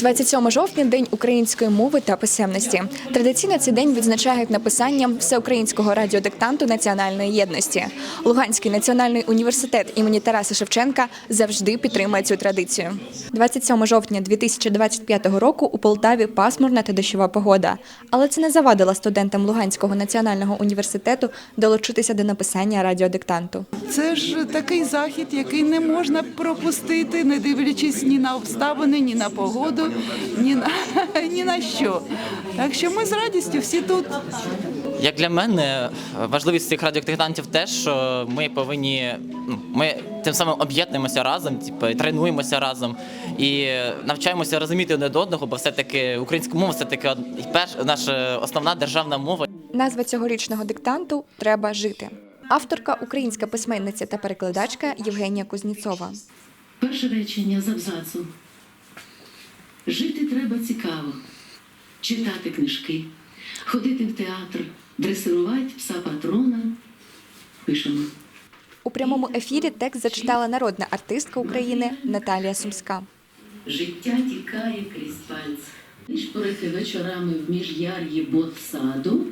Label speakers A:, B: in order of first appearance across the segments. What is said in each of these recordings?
A: 27 жовтня – День української мови та писемності. Традиційно цей день відзначають написанням всеукраїнського радіодиктанту національної єдності. Луганський національний університет імені Тараса Шевченка завжди підтримує цю традицію. 27 жовтня 2025 року у Полтаві пасмурна та дощова погода. Але це не завадило студентам Луганського національного університету долучитися до написання радіодиктанту.
B: Це ж такий захід, який не можна пропустити, не дивлячись ні на обставини, ні на погоду, ні на що. Так що ми з радістю всі тут.
C: Як для мене, важливість цих радіодиктантів те, що ми тим самим об'єднуємося разом, тренуємося разом і навчаємося розуміти один одного, бо все-таки українська мова – це таки наша основна державна мова.
A: Назва цьогорічного диктанту «Треба жити». Авторка – українська письменниця та перекладачка Євгенія Кузніцова.
D: Перше речення з абзацу. Жити треба цікаво, читати книжки, ходити в театр, дресирувати пса-патрона. Пишемо.
A: У прямому ефірі текст зачитала народна артистка України Наталія Сумська.
D: Життя тікає крізь пальці. Нишпорити вечорами в міжяр'ї ботсаду.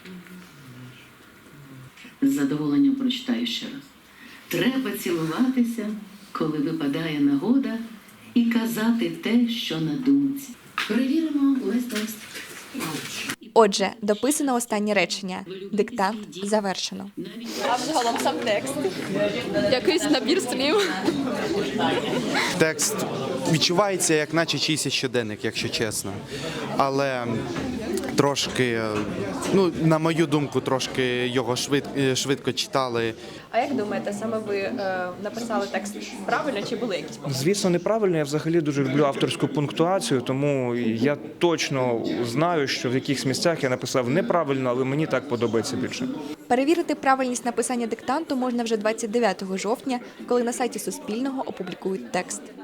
D: З задоволенням прочитаю ще раз. Треба цілуватися, коли випадає нагода, і казати те, що на думці. Перевіримо увесь текст.
A: Отже, дописано останнє речення. Диктант завершено.
E: А взагалом сам текст. Якийсь набір слів.
F: Текст відчувається, як наче чийсь щоденник, якщо чесно. Але трошки, на мою думку, трошки його швидко читали.
E: А як думаєте, саме ви написали текст правильно чи були якісь помилки?
G: Звісно, неправильно. Я взагалі дуже люблю авторську пунктуацію, тому я точно знаю, що в якихось місцях я написав неправильно, але мені так подобається більше.
A: Перевірити правильність написання диктанту можна вже 29 жовтня, коли на сайті Суспільного опублікують текст.